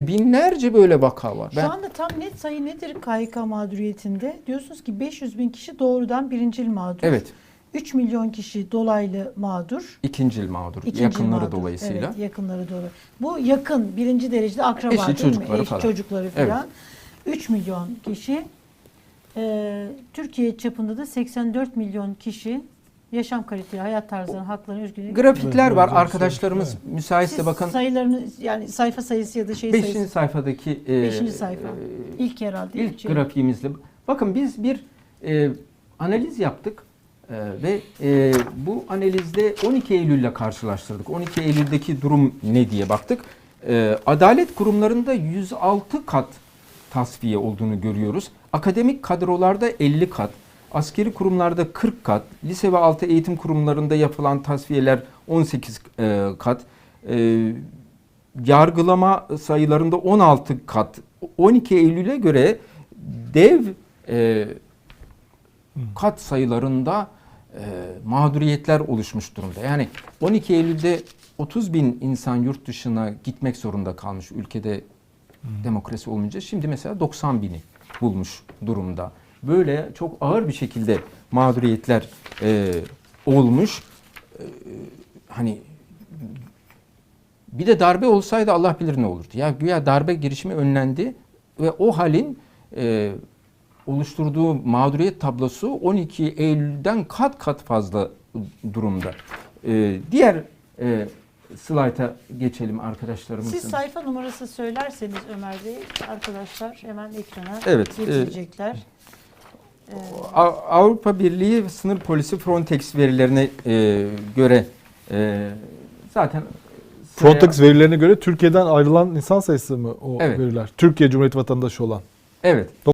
Binlerce böyle vaka var. Şu anda tam net sayı nedir KHK mağduriyetinde? Diyorsunuz ki 500 bin kişi doğrudan birincil mağdur. Evet. 3 milyon kişi dolaylı mağdur. İkincil mağdur. İkincil yakınları mağdur. dolayısıyla. Evet, yakınları dolayı. Bu yakın birinci derecede akraba Eşi, değil çocukları mi? Eş, falan. çocukları falan. 3 milyon kişi. Türkiye çapında da 84 milyon kişi yaşam kaliteli, hayat tarzları, haklarını, özgürlüğünü. Grafikler var. Evet, Arkadaşlarımız müsaitse Siz bakın. sayılarını, yani sayfa sayısı ya da şey 5. sayısı. sayfadaki 5. sayfa. İlk herhalde. ilk grafiğimizle. Bakın biz bir analiz yaptık ve bu analizde 12 Eylül ile karşılaştırdık. 12 Eylül'deki durum ne diye baktık. Adalet kurumlarında 106 kat tasfiye olduğunu görüyoruz. Akademik kadrolarda 50 kat. Askeri kurumlarda 40 kat, lise ve altı eğitim kurumlarında yapılan tasfiyeler 18 kat, yargılama sayılarında 16 kat. 12 Eylül'e göre dev kat sayılarında mağduriyetler oluşmuş durumda. Yani 12 Eylül'de 30 bin insan yurt dışına gitmek zorunda kalmış ülkede demokrasi olmayınca. Şimdi mesela 90 bini bulmuş durumda. Böyle çok ağır bir şekilde mağduriyetler olmuş. Hani bir de darbe olsaydı Allah bilir ne olurdu. Ya güya darbe girişimi önlendi ve o halin oluşturduğu mağduriyet tablosu 12 Eylül'den kat kat fazla durumda. Diğer slayta geçelim arkadaşlarımızın. Siz sayfa numarası söylerseniz Ömer Bey, arkadaşlar hemen ekrana Evet, getirecekler. Avrupa Birliği Sınır Polisi Frontex verilerine göre zaten Frontex verilerine göre Türkiye'den ayrılan insan sayısı mı o Evet. veriler? Türkiye Cumhuriyeti vatandaşı olan. Evet.